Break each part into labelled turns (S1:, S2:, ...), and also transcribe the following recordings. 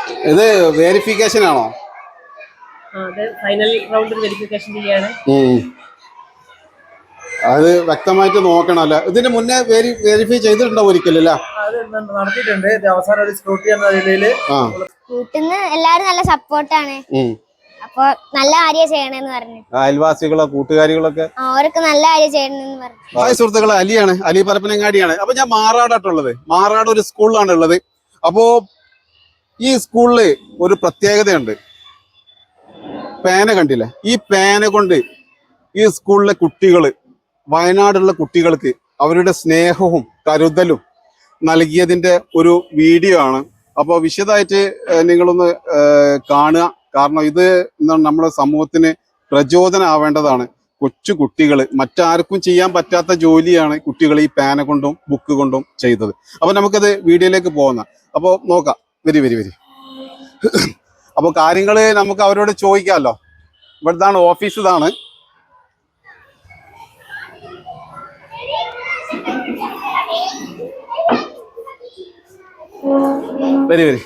S1: ഇത് വെരിഫിക്കേഷൻ ആണോ?
S2: Final round verification ചെയ്യാണ്.
S1: അത് വ്യക്തമായിട്ട് നോക്കണമല്ല. ഇതിന് മുന്നേ വെരിഫൈ ചെയ്തിട്ടുണ്ടോ ഒരിക്കലല്ല?
S2: നടത്തിയിട്ടുണ്ട്. അവസാനം ഒരു സ്ക്രൂട്ടി എന്ന നിലയില്
S3: വീട്ടിന്ന് എല്ലാരും നല്ല സപ്പോർട്ടാണ്. അപ്പൊ നല്ല കാര്യം ചെയ്യണമെന്ന് പറഞ്ഞു.
S1: അയൽവാസികളോ കൂട്ടുകാരികളൊക്കെ
S3: അവരൊക്കെ നല്ല കാര്യം ചെയ്യണമെന്ന് പറഞ്ഞു.
S1: ഹായ് സുഹൃത്തുക്കളെ, അലിയാണ്, അലി പരപ്പനങ്ങാടിയാണ്. അപ്പൊ ഞാൻ മാറാടാട്ടുള്ളത്. മാറാട് ഒരു സ്കൂളിലാണ് ഉള്ളത്. അപ്പോ ഈ സ്കൂളില് ഒരു പ്രത്യേകതയുണ്ട്. പേന കണ്ടില്ലേ? ഈ പേന കൊണ്ട് ഈ സ്കൂളിലെ കുട്ടികള്, വയനാടുള്ള കുട്ടികൾക്ക് അവരുടെ സ്നേഹവും കരുതലും നൽകിയതിന്റെ ഒരു വീഡിയോ ആണ്. അപ്പോൾ വിശദമായിട്ട് നിങ്ങളൊന്ന് കാണുക. കാരണം ഇത് നമ്മുടെ സമൂഹത്തിന് പ്രചോദനമാവേണ്ടതാണ്. കൊച്ചു കുട്ടികൾ, മറ്റാർക്കും ചെയ്യാൻ പറ്റാത്ത ജോലിയാണ് കുട്ടികൾ ഈ പേന കൊണ്ടും ബുക്ക് കൊണ്ടും ചെയ്തത്. അപ്പൊ നമുക്കത് വീഡിയോയിലേക്ക് പോകുന്ന. അപ്പോൾ നോക്കാം. വരി. അപ്പോൾ കാര്യങ്ങൾ നമുക്ക് അവരോട് ചോദിക്കാമല്ലോ. ഇവിടുത്താണ് ഓഫീസ്. ഇതാണ് വരി.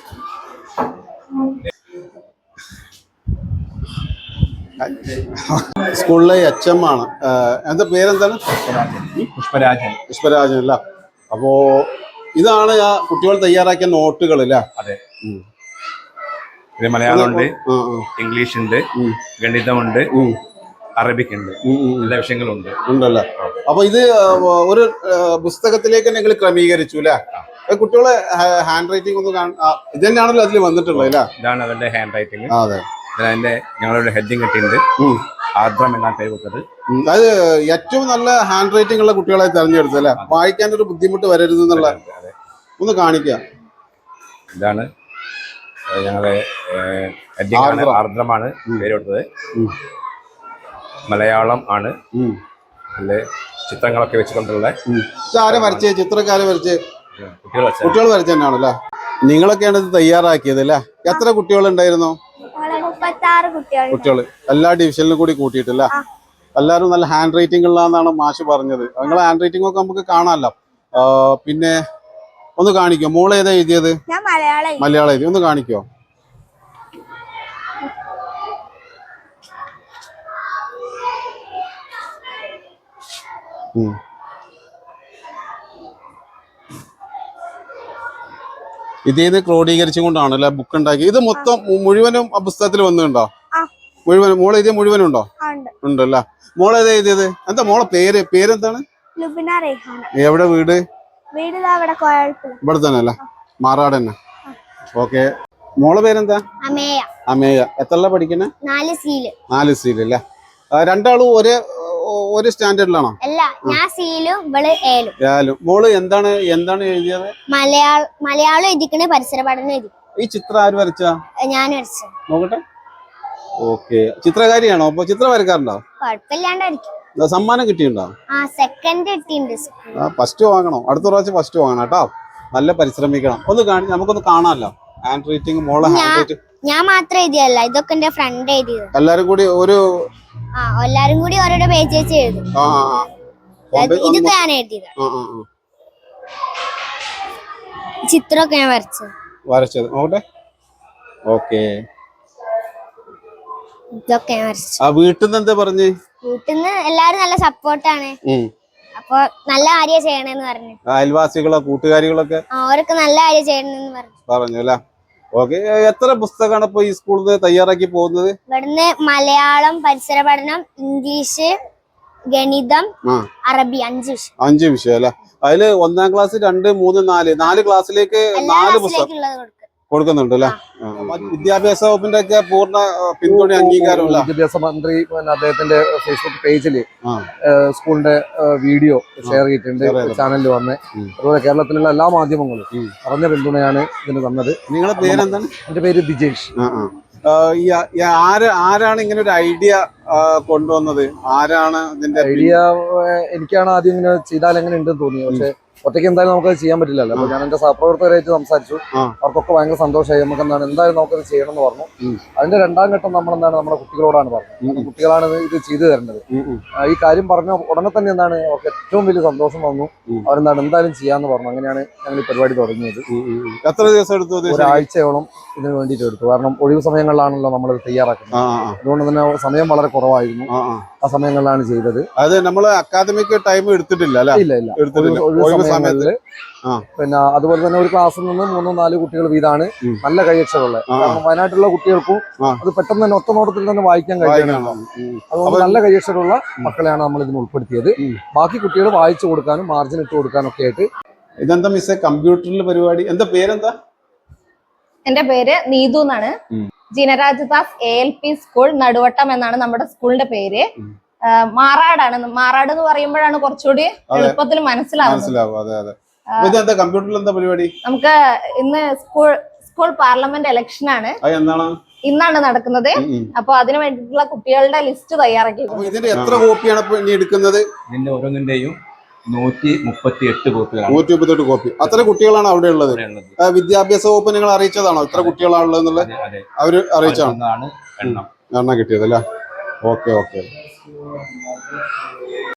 S1: സ്കൂളിലെ HM ആണ്. എന്താ പേരെന്താണ്? പുഷ്പരാജൻ അല്ല. അപ്പോ ഇതാണ് ആ കുട്ടികൾ തയ്യാറാക്കിയ നോട്ടുകൾ അല്ലേ?
S4: അതെ. ഇത് മലയാളം ഉണ്ട്, ഇംഗ്ലീഷ് ഉണ്ട്, ഗണിതമുണ്ട്, അറബിക് ഉണ്ട്, എല്ലാ വിഷയങ്ങളും
S1: ഉണ്ടല്ലേ? അപ്പൊ ഇത് ഒരു പുസ്തകത്തിലേക്ക് നിങ്ങൾ ക്രമീകരിച്ചു അല്ലേ? കുട്ടികളെ ഹാൻഡ് റൈറ്റിംഗ് ഒന്ന് ഇത് തന്നെയാണല്ലോ അതിൽ വന്നിട്ടുള്ളത് അല്ലേ?
S4: ഇതാണ് അവരുടെ ഹാൻഡ് റൈറ്റിംഗ്.
S1: അതെ.
S4: അതിന്റെ ഞങ്ങളുടെ ഹെഡിങ് കിട്ടിയിട്ടുണ്ട്, ആർദ്രം എന്നാണ് പേര് കൊടുത്തത്.
S1: അത് ഏറ്റവും നല്ല ഹാൻഡ് റൈറ്റിംഗ് ഉള്ള കുട്ടികളെ തെരഞ്ഞെടുത്തു അല്ലേ? വായിക്കാൻ ഒരു ബുദ്ധിമുട്ട് വരരുത് എന്നുള്ള ഒന്ന് കാണിക്കാം.
S4: ഇതാണ് ഞങ്ങളുടെ ഹെഡിങ്. ആർദ്രമാണ് പേര് കൊടുത്തത്. മലയാളം ആണ്. അതില് ചിത്രങ്ങളൊക്കെ വെച്ചുകൊണ്ടുള്ള
S1: ആരെ വരച്ചേ? ചിത്രക്കാരെ വരച്ചേ? കുട്ടികൾ വരച്ച തന്നെയാണല്ലേ? നിങ്ങളൊക്കെയാണ് ഇത് തയ്യാറാക്കിയത് അല്ലേ? എത്ര കുട്ടികളുണ്ടായിരുന്നു? കുട്ടികൾ എല്ലാ ഡിവിഷനിലും കൂടി കൂട്ടിയിട്ടില്ല. എല്ലാവരും നല്ല ഹാൻഡ് റൈറ്റിംഗ് ഉള്ളതെന്നാണ് മാഷ് പറഞ്ഞത്. നിങ്ങളെ ഹാൻഡ് റൈറ്റിംഗ് ഒക്കെ നമുക്ക് കാണാമല്ലോ. പിന്നെ ഒന്ന് കാണിക്കോ? മോള് ഏതാ എഴുതിയത്? മലയാളം എഴുതി. ഒന്ന് കാണിക്കോ? ഇതേത് ക്രോഡീകരിച്ചും കൊണ്ടാണല്ലേ ബുക്ക് ഉണ്ടാക്കി? ഇത് മൊത്തം മുഴുവനും പുസ്തകത്തിൽ വന്നിട്ടുണ്ടോ? മുഴുവനും മോളെ എഴുതിയ മുഴുവനും ഉണ്ടോ? ഉണ്ടല്ലേ? മോളെ ഏതാ എഴുതിയത്? എന്താ മോളെ പേരെന്താണ്? എവിടെ വീട്? ഇവിടെ തന്നെ അല്ലേ? മാറാട് തന്നെ. ഓക്കെ. മോളെ പേരെന്താ? അമേയ. എത്രല്ല പഠിക്കണേ? 4 സീൽ അല്ലേ? രണ്ടാളും ഒരു സ്റ്റാൻഡേർഡിലാണോ? മോള് എന്താണ് എഴുതിയത്?
S3: മലയാളം എഴുതിക്കണേ, പരിസര പഠനം എഴുതി.
S1: ഈ ചിത്രം ആര് വരച്ചാ?
S3: ഞാൻ വരച്ചു.
S1: നോക്കട്ടെ. ഓക്കെ. ചിത്രകാരിയാണോ? അപ്പൊ ചിത്രം വരക്കാറുണ്ടോ?
S3: കുഴപ്പമില്ലാണ്ടായിരിക്കും.
S1: സമ്മാനം കിട്ടിയിട്ടുണ്ടോ?
S3: സെക്കൻഡ് കിട്ടിയിട്ടുണ്ട്.
S1: ഫസ്റ്റ് വാങ്ങണോ? അടുത്ത പ്രാവശ്യം ഫസ്റ്റ് വാങ്ങണം കേട്ടോ. നല്ല പരിശ്രമിക്കണം. നമുക്കൊന്ന് കാണാമല്ലോ ഹാൻഡ് റൈറ്റിംഗ്. മോളെ ഹാൻഡ് റൈറ്റിംഗ്
S3: ഞാൻ മാത്രം എഴുതിയല്ല, ഇതൊക്കെ എന്റെ ഫ്രണ്ട് എഴുതിയത്.
S1: എല്ലാരും കൂടി
S3: ഓരോരോ പേജ് വെച്ച് എഴുതും. ഇതൊക്കെ ഞാൻ എഴുതിയത്. ചിത്രമൊക്കെ ഞാൻ വരച്ചത്. നോക്കട്ടെ. ഓക്കെ. ഇതൊക്കെ ഞാൻ വരച്ചു.
S1: വീട്ടിൽ നിന്ന് എന്താ പറഞ്ഞേ?
S3: വീട്ടിന്ന് എല്ലാരും നല്ല സപ്പോർട്ടാണ്. അപ്പൊ നല്ല കാര്യം ചെയ്യണമെന്ന് പറഞ്ഞു.
S1: അയൽവാസികളോ കൂട്ടുകാരികളൊക്കെ
S3: അവരൊക്കെ നല്ല കാര്യം ചെയ്യണമെന്ന്
S1: പറഞ്ഞു അല്ലേ? ഓക്കെ. എത്ര പുസ്തകമാണ് ഇപ്പൊ ഈ സ്കൂളിൽ നിന്ന് തയ്യാറാക്കി പോകുന്നത്?
S3: ഇവിടുന്ന് മലയാളം, പരിസര പഠനം, ഇംഗ്ലീഷ്, ഗണിതം, അറബി 5
S1: വിഷയം അല്ലെ? അതില് 1ാം ക്ലാസ് 2, 3, 4 ക്ലാസ്സിലേക്ക് 4 പുസ്തകം കൊടുക്കുന്നുണ്ട് അല്ലെ? വിദ്യാഭ്യാസ വകുപ്പിന്റെ ഒക്കെ പൂർണ്ണ പിന്തുണ അംഗീകാരമല്ല.
S5: വിദ്യാഭ്യാസ മന്ത്രി അദ്ദേഹത്തിന്റെ ഫേസ്ബുക്ക് പേജില് സ്കൂളിന്റെ വീഡിയോ ഷെയർ ചെയ്തിട്ടുണ്ട്, ചാനലിൽ വന്ന്. അതുപോലെ കേരളത്തിലുള്ള എല്ലാ മാധ്യമങ്ങളും പറഞ്ഞ പിന്തുണയാണ് ഇതിന് തന്നത്.
S1: നിങ്ങളുടെ പേരെന്താണ്?
S5: എന്റെ പേര് ദിജേഷ്.
S1: ആരാണ് ഇങ്ങനെ ഒരു ഐഡിയ കൊണ്ടുവന്നത്? ആരാണ് ഇതിന്റെ
S5: ഐഡിയ? എനിക്കാണ് ആദ്യം ഇങ്ങനെ ചെയ്താൽ എങ്ങനെ ഉണ്ടെന്ന് തോന്നിയത്. പക്ഷെ ഒറ്റയ്ക്ക് എന്തായാലും നമുക്കത് ചെയ്യാൻ പറ്റില്ലല്ലോ. അപ്പൊ ഞാൻ എന്റെ സഹപ്രവർത്തകരായിട്ട് സംസാരിച്ചു. അവർക്കൊക്കെ ഭയങ്കര സന്തോഷമായി. നമുക്ക് എന്താണ് എന്തായാലും നമുക്കത് ചെയ്യണം എന്ന് പറഞ്ഞു. അതിന്റെ രണ്ടാം ഘട്ടം നമ്മളെന്താണ് നമ്മുടെ കുട്ടികളോടാണ് പറഞ്ഞത്. കുട്ടികളാണ് ഇത് ചെയ്തു തരേണ്ടത്. ഈ കാര്യം പറഞ്ഞ ഉടനെ തന്നെ എന്താണ് അവർക്ക് ഏറ്റവും വലിയ സന്തോഷം വന്നു. അവരെന്താണ് എന്തായാലും ചെയ്യാന്ന് പറഞ്ഞു. അങ്ങനെയാണ് ഞങ്ങൾ ഈ പരിപാടി തുടങ്ങിയത്.
S1: എത്ര ദിവസം എടുത്തു?
S5: ഒരാഴ്ചയോളം ഇതിന് വേണ്ടിയിട്ട് എടുത്തു. കാരണം ഒഴിവ് സമയങ്ങളിലാണല്ലോ നമ്മൾ തയ്യാറാക്കുന്നത്. അതുകൊണ്ട് തന്നെ സമയം വളരെ കുറവായിരുന്നു. ആ സമയങ്ങളിലാണ് ചെയ്തത്.
S1: അത് നമ്മൾ അക്കാദമിക് ടൈം എടുത്തിട്ടില്ല അല്ലെ?
S5: ഇല്ല. ഒഴിവ് സമയങ്ങളില് പിന്നെ അതുപോലെ തന്നെ ഒരു ക്ലാസ്സിൽ നിന്ന് 3-4 കുട്ടികൾ വീതാണ് നല്ല കൈയക്ഷരമുള്ളത്. കാരണം വയനാട്ടിലുള്ള കുട്ടികൾക്കും അത് പെട്ടെന്ന് തന്നെ ഒറ്റ നോട്ടത്തിൽ തന്നെ വായിക്കാൻ കഴിയണം. അതുകൊണ്ട് നല്ല കൈയക്ഷരമുള്ള മക്കളെയാണ് നമ്മൾ ഇതിന് ഉൾപ്പെടുത്തിയത്. ബാക്കി കുട്ടികൾ വായിച്ചു കൊടുക്കാനും മാർജിൻ ഇട്ട് കൊടുക്കാനും ഒക്കെ ആയിട്ട്.
S1: ഇതെന്താ മിസ്സേ കമ്പ്യൂട്ടറിൽ പരിപാടി? എന്താ പേരെന്താ?
S6: എന്റെ പേര് നീതു എന്നാണ്. ജിനരാജ് ദാസ് ALP സ്കൂൾ നടുവട്ടം എന്നാണ് നമ്മുടെ സ്കൂളിന്റെ പേര്. മാറാടാണ്. മാറാട് എന്ന് പറയുമ്പോഴാണ് കുറച്ചുകൂടി എളുപ്പത്തിൽ മനസ്സിലാവുന്നത്.
S1: കമ്പ്യൂട്ടറിൽ എന്താ പരിപാടി?
S6: നമുക്ക് ഇന്ന് സ്കൂൾ പാർലമെന്റ് ഇലക്ഷൻ ആണ്. ഇന്നാണ് നടക്കുന്നത്. അപ്പൊ അതിനു വേണ്ടിയിട്ടുള്ള കുട്ടികളുടെ ലിസ്റ്റ് തയ്യാറാക്കി.
S1: ഇതിന്റെ എത്ര കോപ്പിയാണ് ഇനി എടുക്കുന്നത്?
S4: ഇതിന്റെ ഓരോന്നിന്റെയും 138 കോപ്പികളാണ്.
S1: 138 കോപ്പി. അത്ര കുട്ടികളാണ് അവിടെ ഉള്ളത്. വിദ്യാഭ്യാസ വകുപ്പ് നിങ്ങൾ അറിയിച്ചതാണോ ഇത്ര കുട്ടികളാണുള്ളത് എന്നുള്ളത്? അവര് അറിയിച്ചാണ് എണ്ണം കിട്ടിയത് അല്ലേ? ഓക്കെ.